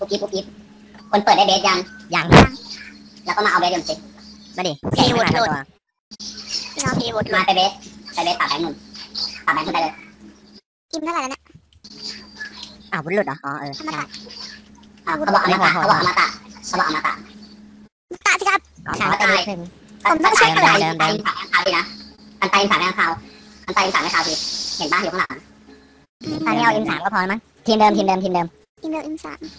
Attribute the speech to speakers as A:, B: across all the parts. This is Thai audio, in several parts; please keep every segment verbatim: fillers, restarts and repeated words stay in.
A: ปุ๊บกิ๊บปุ๊บกิ๊บคนเปิดได้เบสยัง
B: ยัง
A: แล้วก็มาเอาเบสยมสิ
B: มาดิแกะขึ้นมาตัว
A: น้องพีวุฒิมาไปเบสไปเบสปากแบงค์หมุนปากแบงค์ขึ้นไปเลย
C: กินเท่าไหร่แล้วเนี่ย
B: อ้าววุฒิหลุดเหรออ๋อเออ
A: เขาบอกอมตะเขาบอกอมตะเขาบอกอมตะ
C: ตาสิครับ
A: ใช่ตายผมต้องใช้อะไรอันตายฝากแบงค์ขาวดีนะอันตายฝากแบงค์ขาวอันตายฝากแบงค์ขาวดีเห็นบ้างอยู่ข้างหลัง
B: ตอนนี้เอาอินสามก็พอมั้งทีมเดิมทีมเดิมทีมเดิม
C: ทีมเดิมอินสาม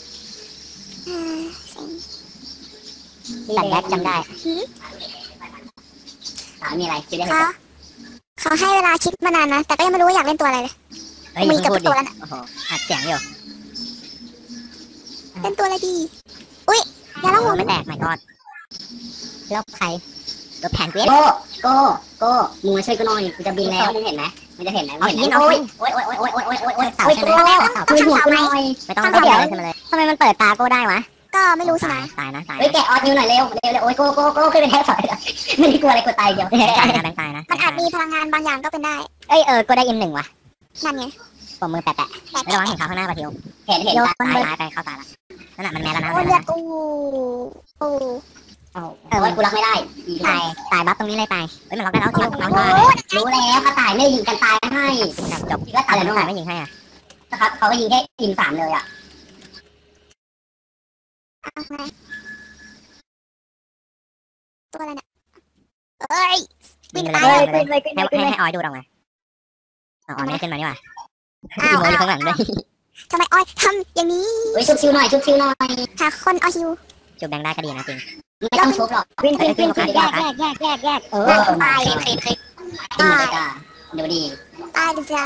B: ตัดแบ็คจำได้
A: ถามมีอะไรคิดได้ไหม
C: เขาให้เวลาคิดมานานนะแต่ก็ยังไม่รู้ว่าอยากเล่นตัวอะไรเลย
B: มีกับตัวแล้วนะโอ้โหอัดเสียงอยู่
C: เล่นตัวอะไรดีอุ้ยอย่าละหัว
B: ไม่แตกไม่กอดลบใครลบแผนเกรด
A: โก้โก้โก้มึงมาช่วยกูหน่อยกูจะบินแล้วมึงเห็นไหมมึงจะเห็นไหมเห็นโอ้ยโอ้ยโอ้ยโอ้ยโอ้ยโอ้ยโอ้ยโอ้ยเสาใช่ไหมช่วยหัวกูหน่อย
B: ไม่ต้องเดี๋ยวเลยทำไมมันเปิดตาโก้ได้วะ
C: ก็ไม่รู้สินะ
B: ตายนะตาย
A: เฮ้ยแกะออดนิ้วหน่อยเร็วเร็วเร็วโอ้ยโก้โก้โก้ขึ้นไปแทบถอยไม่ได้กลัวอะไรกดตายเดียว
B: ตายนะแบงค์ตายนะ
C: มันอาจมีพลังงานบางอย่างก็เป็นได้
B: เอ้ยเออกูได้อินหนึ่งว่ะ
C: นั่นไง
B: ผมมือแปะแปะไม่ระวังเห็นเขาข้างหน้าปะทิว
A: เห็นเห็น
B: ตายตายไปเข้าตาละนั่นแหละมันแม่แล้วนะ
C: โอ้เลือดกูโอ้
A: เออว่ากูรักไม่ได้
B: ตายตายบัฟตรงนี้เลยตายเฮ้ยมันล็อกได้แล้วทิวล็อกได้
A: รู้แล้วกระต่ายไม่ยิงกันตายให้
B: จบก็ตายแล้วไม่ยิงให้อ่ะ
A: นะครับเขาก็ยิงแค่ยิงสามเลยอ่ะ
C: ตัวอะไรเนี่ยเอ้ย
B: วิ่งไปเลยให้ให้ให้ออยดูดออกมาอ๋อไม่ขึ้นมานี่ว่ะอ้าวอยู่ข้างหลังด้วย
C: ทำไมออยทำอย่างนี้
A: เฮ้ยชุบชิวหน่อยชุบชิวหน่อย
C: หาคนเอาชิว
B: จุบแดงได้ก็ดีนะจริง
A: ไม่ต้องชุบหรอก
B: วิ่งขึ้นขึ้นแยกแยกแยกแยกแยกเออ
A: ตายคลิปคลิปตายเดี๋ยวดี
C: ตายดิจ้ะ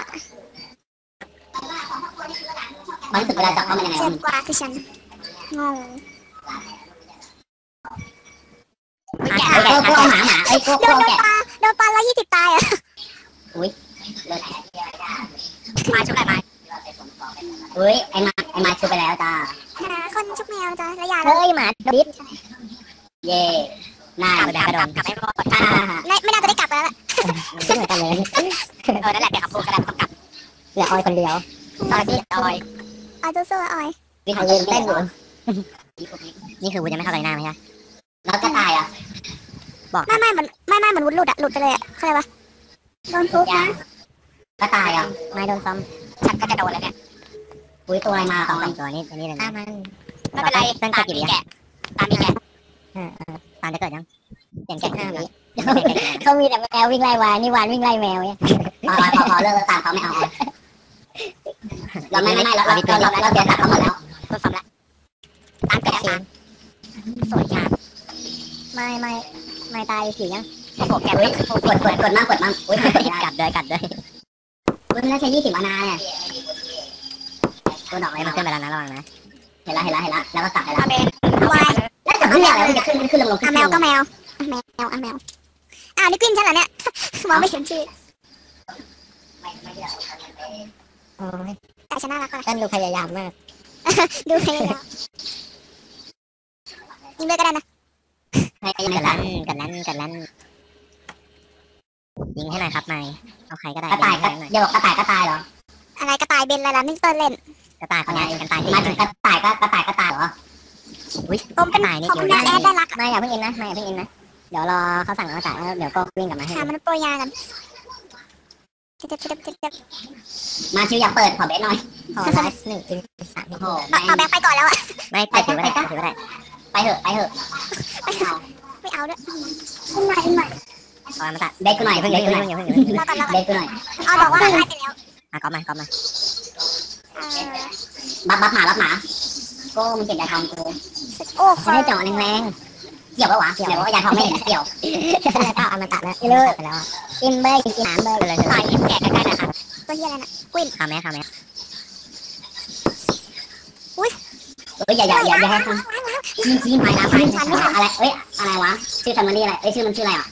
A: มันรู้สึกเวลาจับเขามันยังไง
C: เจ็บกว่าคือฉันงง
A: แกะโก้โก้หมาหมาไอ้โก้โก้แกะ
C: โดนปลาร้อยยี่สิบตายอ่ะ
A: อุ้ยเลิศมาชุบอะไรมาเฮ้ยไอ้มาไอ้มาชุบไปแล้วจ้า
C: หาคนชุบแมวจ้าระยะ
B: เฮ้ยหมาดิบ
A: เย่น่าก
B: ลับกระโดดกลับไม่พอ
C: ไม่ไม่น่าจะได้กลับแล้ว
B: คิดเหมือนกันเลย
A: เออนั่นแหละเดี๋ยวขับพูดก็ได้ต้องกลับ
B: เหลือออยคนเดียว
A: ออยออย
C: ออยสู้ๆออย
A: วิ่งเขายืนเต้นอยู่
B: นี่คือวุ้นยังไม่เข้าไปหน้าไหมฮะ
A: แล้วก็ตายอ่ะ
B: บอก
C: ไม่ไม่มันไม่ไม่มันวุ้นหลุดอ่ะหลุดไปเลยอ่ะเข้าใจปะโดนทุบนะ
A: ก็ตายอ่ะ
B: ไม่โดนซ้
A: ำฉันก็จะโดนแล้วเนี่ยอุ้ยตัวอะไรมา
B: สองตัวนี้ตัวนี้เลยนะ
A: มันไม่เป็นไรตามมีแกะตามมีแกะ
B: ตามจะเกิดยังเปลี่ยนแกะห้าวิ
A: เขามีแต่แมววิ่งไล่วานนี่วานวิ่งไล่แมวเนี่ยพอพอพอเลิกตามเขาไม่เอาเราไม่ไม่ไม่เราเราเราเราเสียสัตว์เขาหมดแล้วทดสอบแล้วตามแกะตามสวยงาม
B: ไม่ไม่ไม่ตายผียัง
A: โอ้โหแกะกดกดกดมากกดมากอุ้ย
B: กัดเลยกัดเลย
A: อุ้ยมันน่าใช้ยี่สิบอานาเนี่ยตัวดอกอะไร
B: มันขึ้นไปแล้วนะระวังนะ
A: เห็นแล้วเห็นแล้วเห็นแล้วแล้วก็กลับไปแล้ววายแล้วจะเพื่ออะไรมันจะขึ้นขึ้นลงลงขึ้น
C: แมวก็แมวแมวอ่ะแมวอ่านี่กวินฉันเหรอเนี่ยมองไม่เห็นชื่อแต่ฉันน่ารักกว่า
B: ท่านดูพยายามมาก
C: ดูพยายามยิงเลยก็ได้นะ
B: กันลั่นกันลั่นกันลั่นยิงให้หน่อยครับนายเอาใครก็ได้
A: กระต่ายเดี๋ยวกระต่ายกระต่ายเหรอ
C: อะไรกระต่ายเบนอะไรล่ะนี่เติร์เล่น
B: กระต่ายคนนี้กระต่าย
A: มาถึงกระต่ายก็กระต่ายกระต่ายเหรอ
B: อุ้ย
C: ผมเป็นผมเป็นแอดได้รัก
B: ไม่อย่าเพิ่งอินนะไม่อย่าเพิ่งอินนะเดี๋ยวรอเขาสั่งมาจ่ายแล้วเดี๋ยวก็วิ่งกลับมาให้
C: หามันโปรยากันเจ็บเจ็บเจ็บเจ็บ
A: มาชิวอยากเปิดขอเบสหน่อย
B: ขอไลฟ์หนึ่งถึงสาม
C: โอ้เอาแบงค์ไปก่อนแล้วอ่ะ
B: ไม่ไปถือว่าได้ถือว่าได้
A: ไปเถอะไปเถอะ
C: ไม่เอาไม่เอาด้วยขึ้นมาขึ้นมา
B: ขอมาตัด
A: เบสกูหน่อยเพิ่งเบสกูหน่อยเบสกูหน่อย
C: เอาบอกว่าได้ไปแล้ว
B: อ่ะก๊อปมาก๊อปมา
A: บัฟบัฟหมาบัฟหมาโก้มึงเก็บยาทองกู
C: โอ้
A: ไม่ได้เจาะแรงๆเกี่ยวปะวะเกี่ยวว่ายาทองไม่เห็นเกี่ยว
B: แล้วก็เอามาตัดแล้วเลิกไปแล้วกินเบย์กินหามเบย์เลย
A: ต่อยยิ้มแก่ใกล้ๆนะครับ
C: ตัวเฮียอะไรนะกวิน
B: ทำไหมทำไหม
C: อุ้ย
A: เอ้ยอย่าอย่าอย่าอย่าให้ทำชี้ชี้ไม้นะไม้อะไรเอ้ยอะไรวะชื่อแฟมิลี่อะไรเอ้ยชื่อมันชื่ออะไรอ่ะ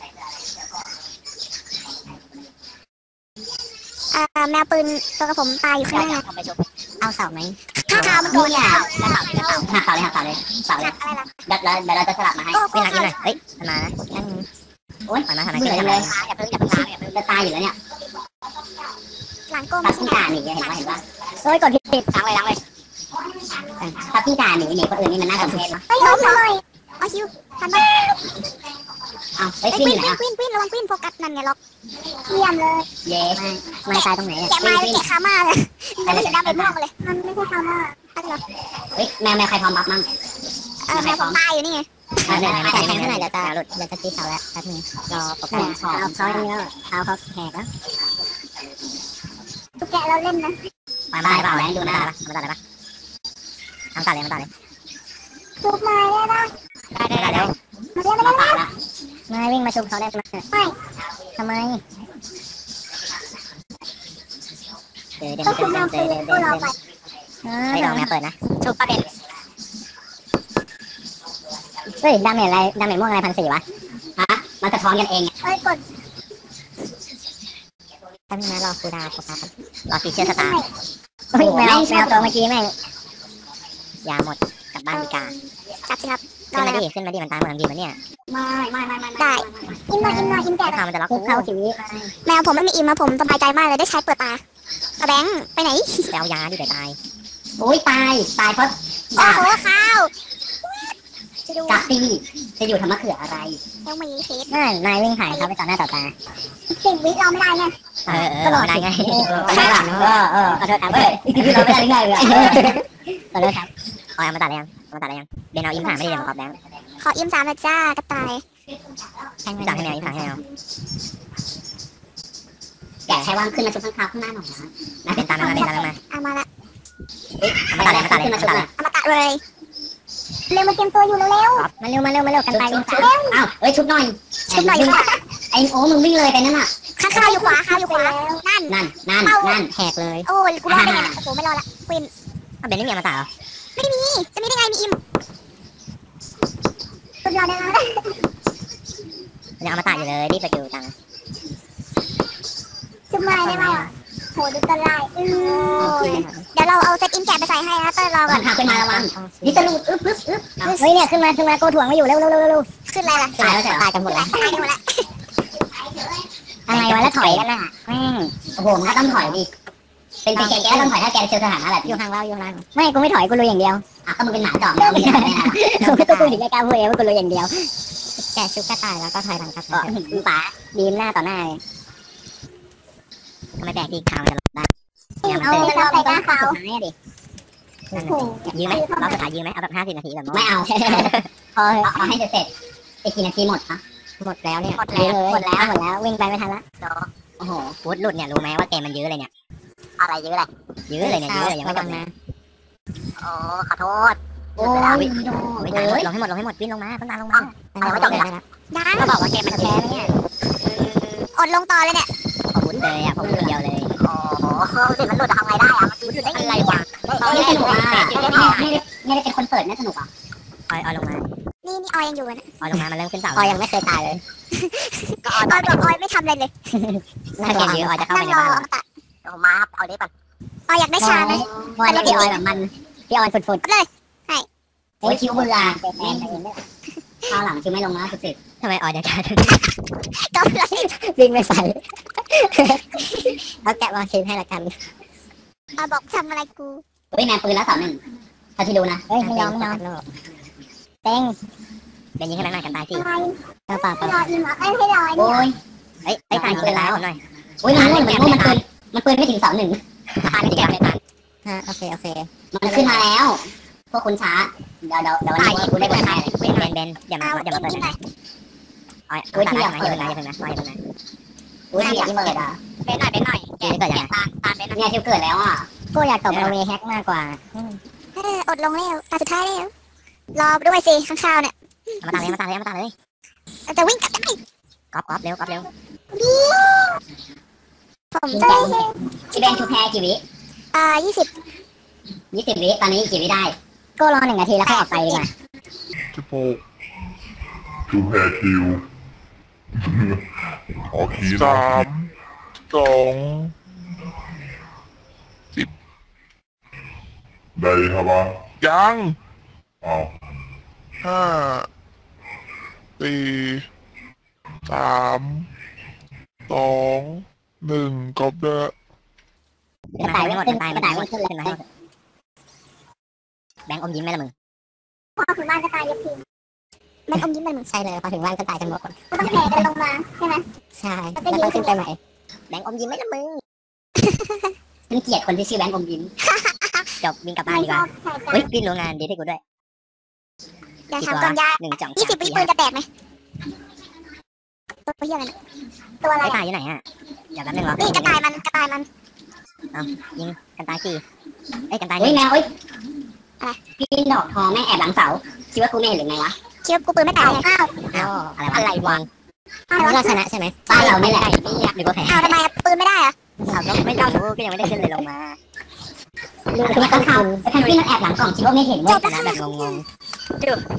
C: อ่าแมวปืนตัวกระผมตายอยู่ข้างหน้า
B: เอาเสาไหม
C: ข้าขาวมันโดนยาว
A: หักเสาเลยหักเสาเลยเสาเลยเดี๋ยวเดี๋ยวเราจะสลับมาให้
B: ไม่รักกินเลยเฮ้ยมานะนั่ง
A: โอ๊ย
B: มานะทำไม
A: เบื่
B: ขึ้
A: อน เลยอย่าเพิ่งอย่าเพิ่งล้างอย่าเพิ่งจะตายอยู่แล้วเนี่ย
C: หลังโก้
A: ตัดขึ้นตาหนีเห็นป่ะเห็นป่ะ
B: เฮ้ยกดผิด
A: ล้างเลยล้างเลย
B: อัน
A: ถ้าพี่ด่าหนีหนีคนอื่นนี่มันน่าสมเพชเนาะ
C: เฮ้ยล้มเลยเอาคิวทันปะ
A: อ้าวเฮ้ย
C: ไอ้
A: พี่
C: ค
A: อ
C: วิน
A: ยู่ไหน
C: ควิน
A: อ่ะ
C: ควินควินระวังควินโฟกัสนั่นไงล็อกเยี่ยมเลย
A: เย้
B: ไม่ตายตรงไหนเนี่ย
C: แกะไม้แกะขามาเลยมันไม่เห็นดาเมจม่วงเลยมันไม่ใช่ขามาอะไรหรอ
A: เฮ้ยแมวแมวใครพร้อมบัฟมั่ง
C: เออแมวผมตายอยู่นี่ไง
B: ไม่ไม่ไม่ไม่ไม่เดี๋ยวจะหลุดเดี๋ยวจะตีเสาแล้วแป๊บนึงรอโปรแกรมเอาเขาอย่างเงี้ยเท้าเขาแหกแล้ว
C: ตุ๊กแกเราเล่นนะ
B: ไปมาได้เปล่าแล้วดูหน้าปะมาตัดเลยปะทำตัดเลยมาตัดเลย
C: ชุบไม้ได้ปะ
B: ได้ได้ได้เร็ว
C: มาเรียกมา
A: มา
C: เรียก
A: ปาละ
B: ไม่วิ่งมาชุบเขาได้ไหมทำไมเดี๋ยวเดี๋ยว
C: ก็
B: เดี๋
C: คุ
B: ยว
C: ณ
B: เดี๋ยว
C: เรา
B: เดี๋ยว
C: คือ
B: เดี๋ยว
C: เราไป
B: ไม่ลองแมวเปิดนะ
A: ชุบประเด็น
B: เฮ้ยดาเมจอะไรดาเมจม่วงอะไรพันสี่วะ
A: ฮะมันสะท้อนกันเองไง
C: เอ้ยกด
B: แป๊บนึงนะรอคูดาวโฟกัสรอฟีเจอร์สตาร์เฮ้ยแมวแมวตัวเมื่อกี้แม่งยาหมดกลับบ้านดีกา
C: จับสิครับ
B: ขึ้นมาดิขึ้นมาดิมันตายหมดทั้งทีมันเนี่ย
A: ไม่ไม่ไม่ไม่
C: ได้อิมหน่อยอิมหน่อยอิมแกะ
B: ถ้ามันจะล็อก
A: คุ
B: กู
A: กเข้าชีวิต
C: แมวผมไม่มีอิมมาผมสบายใจมากเลยได้ใช้เปิดตาเอาแบงค์ไปไหน
B: ไปเอายาดิเดี๋ยวตาย
A: โอ้ยตายตายเพราะ
C: โอ้
A: ด่า
C: โหข้าวจะดู
A: กาตี้จะอยู่ทำมะเขืออะไร
C: ยังมีเคส
B: นั่นนายวิ่งผ่านเขาไปต่อหน้าต่อตา
C: สิบวิเราไม่ได้ไง
B: เออเออเราได้ไง
A: ไม่หลังเออเออ
B: ขอโทษครับ
A: เฮ้ยจริงๆเราไม่ได้ไงเลย
B: ขอโทษครับเอาเอามาตัดเลยยังเอามาตัดเลยยังเบนเอาอิมผ่านไม่ได้เดี๋ยวมาขอบแบงค์
C: ขออิมสามนะจ้ากระต่าย
B: แข่งจากให้แมวอิมผ่านให้แมว
A: แกะใช้วางขึ้นมาชุบข้างๆข้างหน้าหน่อยนะ
B: เป็นตามนั้นมาเป็นตามนั้นมา
C: เอามาละ
B: เอามาตัดเลยมาตัดเลยมาตัดเลย
C: เอามาตัดเลยเร็วมาเตรียมตัวอยู่เร็ว
B: มาเร็วมาเร็วมาเร็วกัน
A: ชุบ
B: ไป
A: ชุ
B: กัน
A: บ
B: ไป
A: ชุบอ้าวเฮ้ยชุบหน่อย
C: ชุบหน่อยค่ะ
A: ไอ้โอ้มึงวิ่งเลยไปนั่นน่ะ
C: ข้าวข้าวอยู่ขวาข้าวอยู่ขวานั่น
A: นั่นนั่นนั่น
B: แหกเลย
C: โอ้ยกูรอดได้ไงโอ้โหไม่รอดละควิน
B: เอาเบนไม่มีมาตัดเหรอ
C: ไม่มีจะมีได้ไงมีอิมสุดยอดเลยนะ
B: ยังเอามาตัดอยู่เลยรีบไปดูจัง
C: ชุบไม้ได้ไหมอ่ะโหดูตะไลอือเดี๋ยวเราเอาเซตอิมแกะไปใส่ให้นะเต้ยรอก่
A: ก่
C: อ
A: อน นพาขึ้นมาระวังดิสลูดอึ๊บอึ๊บอึ๊บ
B: เฮ้ยเนี่ยขึ้นมาขึ้นมาโกถ่วงไม่อยู่เร็วเร็วเร็วเร็ว
C: ขึ้นอะไรล่ะ
A: ตายแล้วใช่
B: ตายกันหมดแล้ว
C: ตายกันหมดละ
B: อะไรวะแล้วถอยกันน่ะแม่ง
A: โอ้โหมันก็ต้องถอยดิเป็นเป็นแกแกต้องถอยถ้าแกเจอสถานะแบบ
B: อยู่ห่างเราอยู่ห่างไม่กูไม่ถอยกูลุยอย่างเดียว
A: อ่ะก็มึงเป็นหมาจอกแล้วมึงจะทำไงล่ะ
B: กูก็กูถึงไม่กล้าพูดเองว่ากูลุยอย่างเดียวแกชุบกระต่ายแล้วก็ถอยหลังกระต่ายป๋าดีมหน้าต่อหน้าเลยทำไมแตกทีข่าวจะหลบได้เนี่ยมัน
C: เอา
B: เตะ
C: ไปเราไปก้าเขา
B: สุดท้ายดิยืมไหมรอบสุดท้ายยืมไหมเอาแบบห้าสิบนาทีแบบ
A: ไม่เอา
B: พอ
A: เอาเอาให้เสร็จอีกกี่นาทีหมดคะ
B: หมดแล้วเนี่ยหมดแล้วหมดแล้วหมดแล้ววิ่งไปไม่ทันละ
A: โอ้โห
B: ฟุตหลุดเนี่ยรู้ไหมว่าเกมมันยื้อเลยเนี่ย
A: อะไรเยอะเลย
B: ยื้อเลยเนี่ยยื้อเลยยังไม่จบนะ
A: โอ้ขอโทษ
B: โอ้ยไม่ทันลงให้หมดลงให้หมดวิ่งลงมาต้องตามลงมา
A: เอาไม่จบเลยนะ
C: ยัง
B: ก็บอกว่าเกมมันจะแพ้ไหมเนี่ย
C: อดลงต่อเลยเนี่ย
B: พอฟุตเลยอ่ะพอฟุตเดียวเลย
A: โอ้โหสิมันหลุดทำไงได้อะมันหลุดได้ไงวะไม่สนุกอ่ะไม่ได้ไม่ได้เป็นคนเปิดไม่สนุกอ่ะ
B: ออยออยลงมา
C: นี่นี่ออยยังอยู่นะ
B: ออยลงมามันเริ่มขึ้นเสา
A: ออยยังไม่เคยตายเลย
C: ออยบอกออยไม่ทำอะไรเลย
B: ถ้าเกมยื้อออยจะเข้าไป
C: นั่ง
B: ใน
C: รอ
B: บ้าน
C: เอามาตัด
A: โอ้มาเอาได้ปะ
C: ออยอยากได้ชาไหม
A: วันนี้พี่ออยแบบมันพี่ออยฝุด
C: เลย
A: ๆโอ้ยคิวเบื่อข้าวหลังคิวไม่ลงนะสุด
B: ทำไมออยจะกลายเป็น
C: ก็เลย
B: วิ่งไม่ใส่เอาแกะมาคิดให้ละกัน
C: ออยบอกทำอะไรกู
A: ๆเฮ้ยแมนปืนแล้วสามหนึ่งถ้าที่ดูนะ
B: เฮ้ยไม่ยอมไม่ยอมเต็งเป็นยิงให้แม่งหน่อยกันตายสิ
C: อะไร
B: เปล่าเปล่า
C: ให้รออิมเหรอเอ้ยให้รอไอ้
A: โอ้
C: นี่
A: ย
B: เฮ้ยไอ้ตายยิงกันแล้วหน่อย
A: โอ้ยมันเหมือนมันปืนมันปืนไม่ถึงสามหนึ่ง
B: ตายไม่ถึงไม่ตายฮะโอเคโอเค
A: มันขึ้นมาแล้ว พวกคุณช้า เดี๋ยวเดี๋ยวเดี๋ยววันนี้กูได้เปิดให้เลย
B: เบนเบนเบนอย่ามา
C: เอา
B: อย่ามาเปิด
C: อิม
B: นะ
C: หน่อย
B: ออยอย่าเพิ่งนะอย่าเพิ่งนะอย่าเพิ่งนะ
A: อุ้ยอยากเปิดอ่ะ
B: เป็นหน่อยเป็นหน่อยแกเกิดยัง
A: ตาตาเป็นเนี่ยที่เกิดแล้วอ่ะ
B: กูอยากตบเอาเวแฮกมากกว่า
C: เอออดลงแล้วตาสุดท้ายแล้วรอด้วยสิข้างข้าวเนี่ย
B: มาตาเลยมาตาเลยมาตาเลย
C: จะวิ่งกลับได้
B: ก๊อปก๊อปเร็วก๊อปเร็ว
C: ผม
A: ชิง
C: จะ
A: แกงชิเบนทูแพรกี่วิ
C: อ่ายี่สิบ
A: ยี่สิบวิตอนนี้กี่วิได้
B: ก็รอหนึ่งนาทีแล้วค่อยออกไปดีกว่า
D: สิบหกจูแพรคิวออกคีสามสองสิบได้ครับว่ายังอ้าวห้าสี่สามสองหนึ่งกบเด้อ
B: ตายไม่หมดตายไม่ตายไม่ขึ้นเลยขึ้นมาให้แบงค์อมยิ้มไหมล่ะมึง
C: พอถึงบ้านก็ตายยกทีแบงค์อมยิ้มเป็นมึง
B: ใช่เลยพอถึงบ้านก็ตายกันหมด
C: ก็ต้องแผ่กันลงมาใช่ไหม
B: ใช่แล้วต้องขึ้นไปใหม่แบงค์อมยิ้มไหมล่ะมึง
A: ฉันเกลียดคนที่ชื่อแบงค์อมยิ้ม
B: จบวิ่งกลับบ้านดีกว่า
C: ใช่จ้ะ
B: เฮ้ยวิ่งโรงงานดีให้กูด้วย
C: เดี๋ยวถามก่อนยา
B: หนึ่งจ่อง
C: ยี่สิบวิปืนจะแตกไหมตัวเฮียอะไรเนี่ยตัวอะไร
B: ไอ้ตายอยู่ไหนอ่ะเดี๋ยวแป๊บนึงรอ
C: นี่กระต่ายมันกระต่ายมัน
B: ยิงกันตายสี่เอ้ยกันตายห
A: เฮ้ย
B: นึ่ง
A: แมวเฮ้ยพี่ดอกทองแม่งแอบหลังเสาคิดว่ากูไม่เห็นหรือไงวะ
C: คิดว่ากูปืนไม่แตกเลยอ้าว
B: อ้าวอะไรวะ
C: อ้าว
B: เราชนะใช่ไหม
A: บ้านเราไม่แหละ
B: หรือว่าแพ้
C: อ้าวทำไมอะปืนไม่ได้อะ
B: เราก็ไม่รู้ก็ยังไม่ได้ขึ้นเลยลงมา
A: คือว่าต้องทำแต่แพนกวินมันแอบหลังกล่องคิดว่าไม่เห็นเว้ย
B: ชนะแบบงงๆ